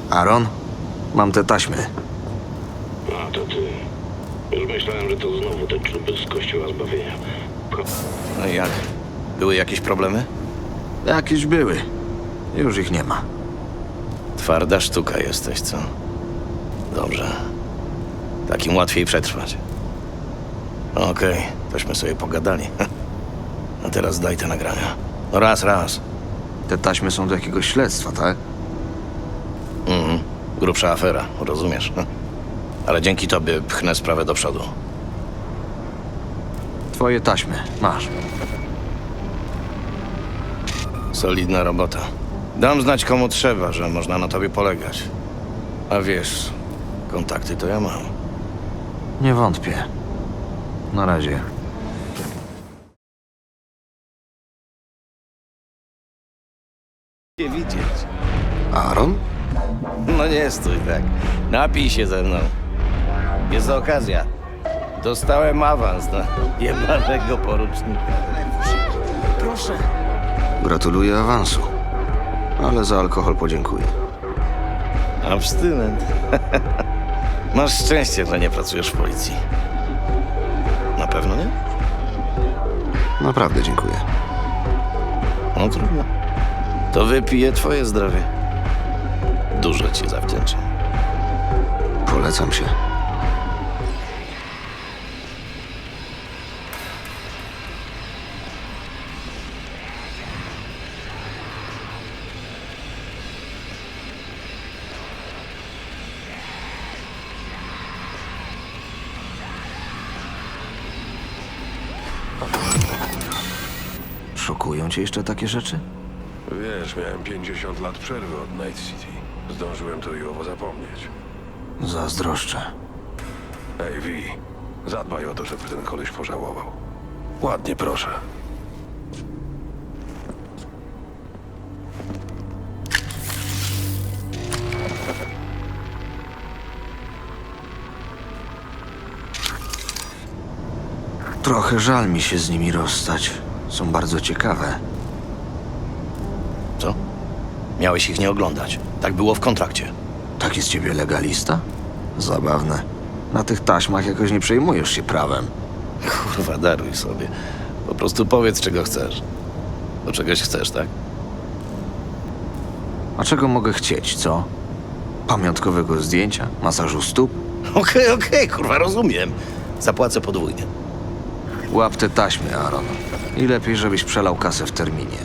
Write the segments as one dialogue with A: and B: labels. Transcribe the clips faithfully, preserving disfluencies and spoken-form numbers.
A: Aaron, mam te taśmy.
B: A, to ty. Już myślałem, że to znowu te kluby z kościoła zbawienia. Ko-
C: No i jak? Były jakieś problemy?
A: Jakieś były. Już ich nie ma.
C: Twarda sztuka jesteś, co? Dobrze. Takim łatwiej przetrwać. Okej, tośmy sobie pogadali. A teraz daj te nagrania. No raz, raz.
A: Te taśmy są do jakiegoś śledztwa, tak?
C: Mhm. Grubsza afera, rozumiesz? Ale dzięki tobie pchnę sprawę do przodu.
A: Twoje taśmy. Masz.
C: Solidna robota. Dam znać komu trzeba, że można na tobie polegać. A wiesz, kontakty to ja mam.
A: Nie wątpię. Na razie.
C: Nie widzieć.
A: Aaron?
C: No nie stój tak. Napij się ze mną. Jest okazja. Dostałem awans na jebanego porucznika.
A: Proszę. Gratuluję awansu. Ale za alkohol podziękuję.
C: Abstynent. Masz szczęście, że nie pracujesz w policji. Na pewno nie?
A: Naprawdę dziękuję.
C: No trudno. To wypiję twoje zdrowie. Dużo ci zawdzięczę.
A: Polecam się. Szokują cię jeszcze takie rzeczy?
B: Wiesz, miałem pięćdziesiąt lat przerwy od Night City. Zdążyłem to i owo zapomnieć.
A: Zazdroszczę.
B: Ej, Vi, zadbaj o to, żeby ten koleś pożałował. Ładnie, proszę.
A: Trochę żal mi się z nimi rozstać. Są bardzo ciekawe.
C: Co? Miałeś ich nie oglądać. Tak było w kontrakcie.
A: Tak jest ciebie legalista? Zabawne. Na tych taśmach jakoś nie przejmujesz się prawem.
C: Kurwa, daruj sobie. Po prostu powiedz, czego chcesz. Do czegoś chcesz, tak?
A: A czego mogę chcieć, co? Pamiątkowego zdjęcia? Masażu stóp?
C: Okej, okej, kurwa, rozumiem. Zapłacę podwójnie.
A: Łap te taśmy, Aaron. I lepiej, żebyś przelał kasę w terminie.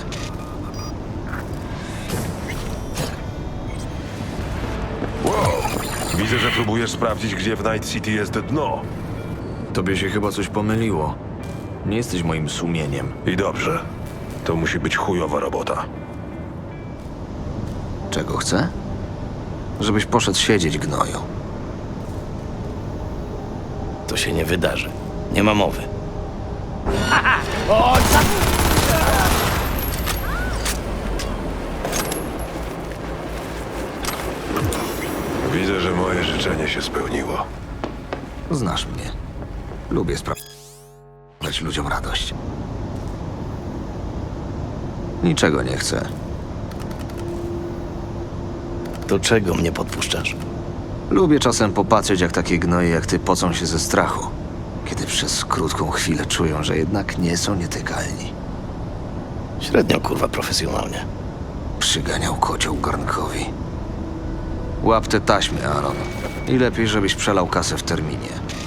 B: Wow! Widzę, że próbujesz sprawdzić, gdzie w Night City jest dno.
A: Tobie się chyba coś pomyliło. Nie jesteś moim sumieniem.
B: I dobrze. To musi być chujowa robota.
A: Czego chcę? Żebyś poszedł siedzieć, gnoju.
C: To się nie wydarzy. Nie ma mowy.
B: Widzę, że moje życzenie się spełniło.
A: Znasz mnie. Lubię sprawiać ludziom radość. Niczego nie chcę.
C: Do czego mnie podpuszczasz?
A: Lubię czasem popatrzeć, jak takie gnoje jak ty pocą się ze strachu. Kiedy przez krótką chwilę czują, że jednak nie są nietykalni.
C: Średnio, kurwa, profesjonalnie.
A: Przyganiał kocioł garnkowi. Łap te taśmy, Aaron. I lepiej, żebyś przelał kasę w terminie.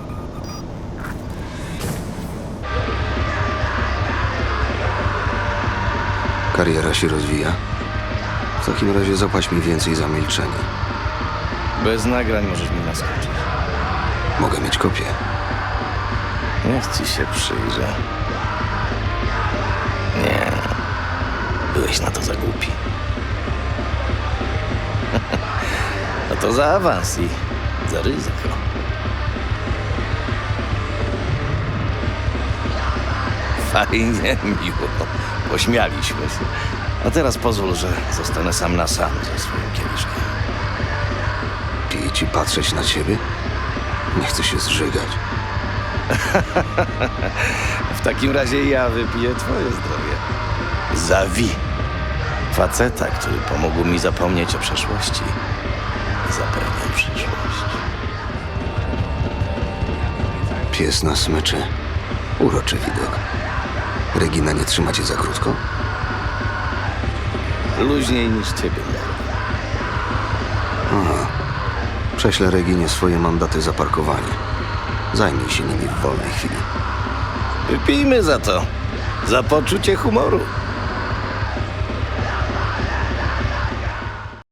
A: Kariera się rozwija? W takim razie zapłać mi więcej za milczenie.
C: Bez nagrań możesz mi naskoczyć.
A: Mogę mieć kopię.
C: Niech ci się przyjrzę. Nie. Byłeś na to za głupi. No to za awans i za ryzyko. Fajnie, miło. Pośmialiśmy się. A teraz pozwól, że zostanę sam na sam ze swoim kieliszkiem.
A: Pić i patrzeć na ciebie? Nie chcę się zżygać.
C: W takim razie ja wypiję twoje zdrowie. Za Vi. Faceta, który pomógł mi zapomnieć o przeszłości zapewniam przyszłość.
A: Pies na smyczy. Uroczy widok. Regina nie trzyma cię za krótko?
C: Luźniej niż ciebie, Nel.
A: Aha. Prześlę Reginie swoje mandaty za parkowanie. Zajmij się nimi w wolnej chwili.
C: Wypijmy za to. Za poczucie humoru.